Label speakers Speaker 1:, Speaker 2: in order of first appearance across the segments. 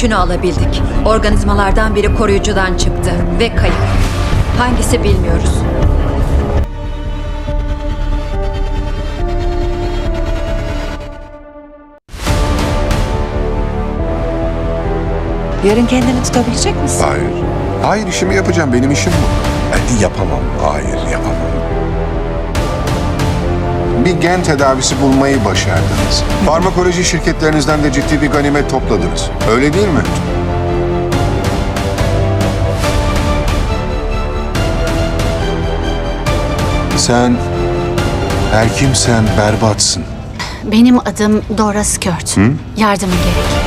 Speaker 1: üçünü alabildik. Organizmalardan biri koruyucudan çıktı ve kayıp. Hangisi bilmiyoruz.
Speaker 2: Yarın kendini tutabilecek misin?
Speaker 3: Hayır. Hayır, işimi yapacağım. Benim işim bu. Yapamam. Hayır, yapamam. Bir gen tedavisi bulmayı başardınız. Farmakoloji şirketlerinizden de ciddi bir ganimet topladınız. Öyle değil mi? Sen her kimsen berbatsın.
Speaker 4: Benim adım Dora Skört. Yardımın gerek.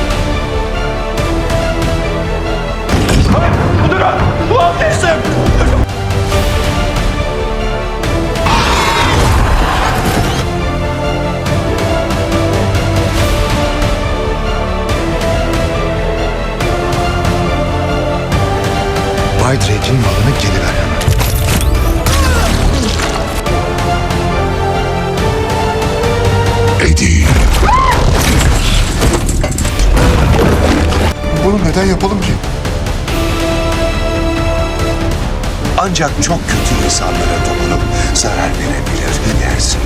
Speaker 5: Bay Drake'in malını geri ver hemen.
Speaker 3: Eddie. Bunu neden yapalım ki?
Speaker 5: Ancak çok kötü insanlara dokunup zarar verebilir dersin.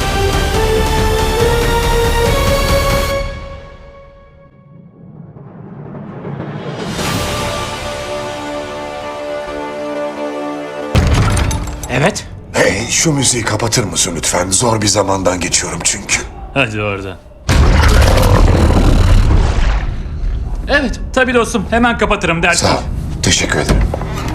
Speaker 6: Evet.
Speaker 5: Hey, şu müziği kapatır mısın lütfen? Zor bir zamandan geçiyorum çünkü.
Speaker 6: Hadi orada. Evet, tabii dostum. Hemen kapatırım dersin.
Speaker 5: Sağ ol. Teşekkür ederim.